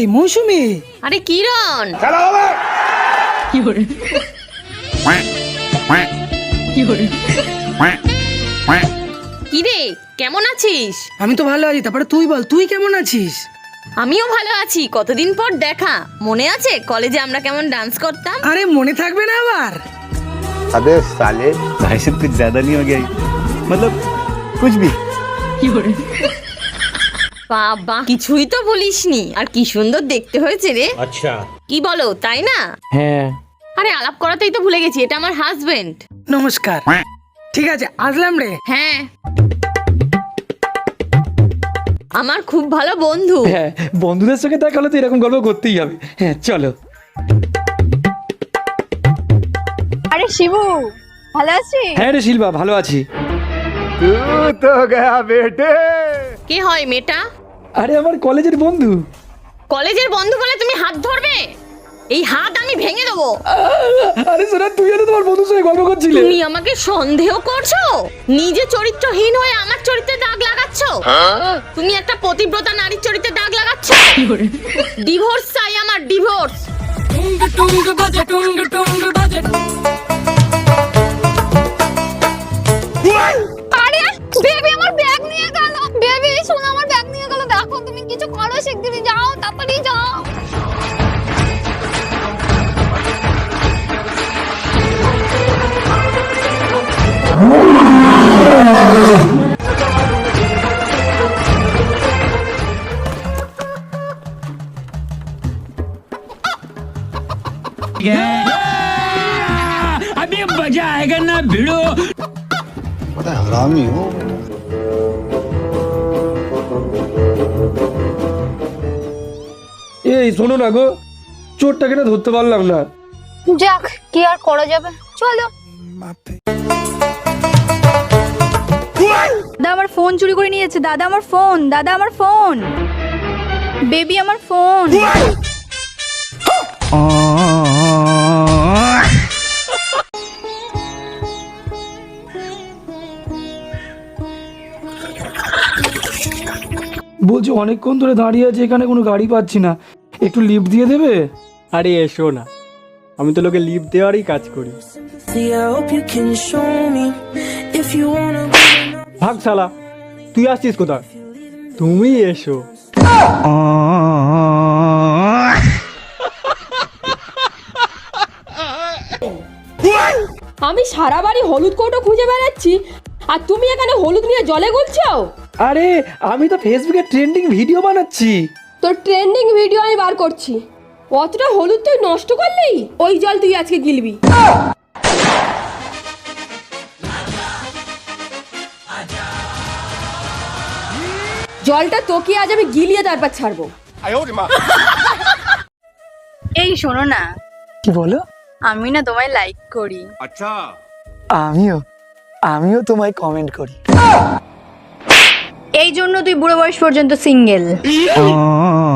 মৌসুমি। আরে কিরণ, কি করে কি রে কেমন আছিস? আমি তো ভালো আছি, তারপরে তুই বল, তুই কেমন আছিস? আমিও ভালো আছি, কতদিন পর দেখা। মনে আছে কলেজে আমরা কেমন ডান্স করতাম? আরে মনে থাকবে না আবার? अबे साले भाई से कुछ ज्यादा नहीं हो गया मतलब कुछ भी বাবা কিছুই তো বলিসনি। আর কি সুন্দর দেখতে হয়েছে রে। अच्छा কি বলো, তাই না? হ্যাঁ আরে আলাপ করাতেই তো ভুলে গেছি, এটা আমার হাজবেন্ড। নমস্কার। ঠিক আছে, আসলাম রে। হ্যাঁ, আমার খুব ভালো বন্ধু। হ্যাঁ, বন্ধুদের সঙ্গে দেখা হলে তো এরকম গল্প করতেই হবে। হ্যাঁ চলো। আরে শিবু, ভালো আছিস? হ্যাঁ রে শিল্পা, ভালো আছি। तू तो गया बेटे। কে হয় মেয়েটা? আরে আমার কলেজের বন্ধু। কলেজের বন্ধু বলে তুমি হাত ধরবে? এই হাত আমি ভেঙে দেবো। আরে সোনা, তুই তো তোমার বন্ধুর সঙ্গে গল্প করছিলে। তুমি আমাকে সন্দেহ করছো? নিজে চরিত্রহীন হয়ে আমার চরিত্রে দাগ লাগাচ্ছ। তুমি একটা পতিব্রতা নারীর চরিত্রে দাগ লাগাচ্ছ। ডিভোর্স চাই আমার, ডিভোর্স। আরে বেবি আমার ব্যাগ নিয়ে গেল। বেবি শোনো, আমার ব্যাগ নিয়ে গেল। দেখো তুমি কিছু করো, শিগগিরই যাও, তাড়াতাড়ি যাও। अभी मजा आएगा ना भिड़ो। बड़ा हरामी हो। এই শোনো না গো, চোরটাকে না ধরতে পারলাম না। যাক, কি আর করা যাবে, চলো। দাদা আমার ফোন চুরি করে নিয়েছে। দাদা আমার ফোন, দাদা আমার ফোন, বেবি আমার ফোন। বলছি অনেকক্ষণ ধরে দাঁড়িয়ে আছে এখানে, কোনো গাড়ি পাচ্ছি না, একটু লিফট দিয়ে দেবে? আরে এসো না, আমি তো লোকে লিফট দেওয়ারই কাজ করি। ভাগ শালা, তুই আসছিস কোথায়? তুমি এসো। আমি সারা বাড়ি হলুদ কৌটো খুঁজে বেড়াচ্ছি, আর তুমি এখানে হলুদ নিয়ে জলে গুলছো। আরে আমি তো ফেসবুকে ট্রেন্ডিং ভিডিও বানাচ্ছি। তোর ট্রেন্ডিং ভিডিও আমি বার করছি। অতটা হলুদ তুই নষ্ট করলি, ওই জল তুই আজকে গিলবি। জলটা তোকে আজ আমি গিলিয়ে তারপর ছাড়বো। এই শোনো না, কি বলো? আমি না তোমায় লাইক করি। আমিও আমিও তোমায় কমেন্ট করি। এই জন্য তুই বুড়ো বয়স পর্যন্ত সিঙ্গেল।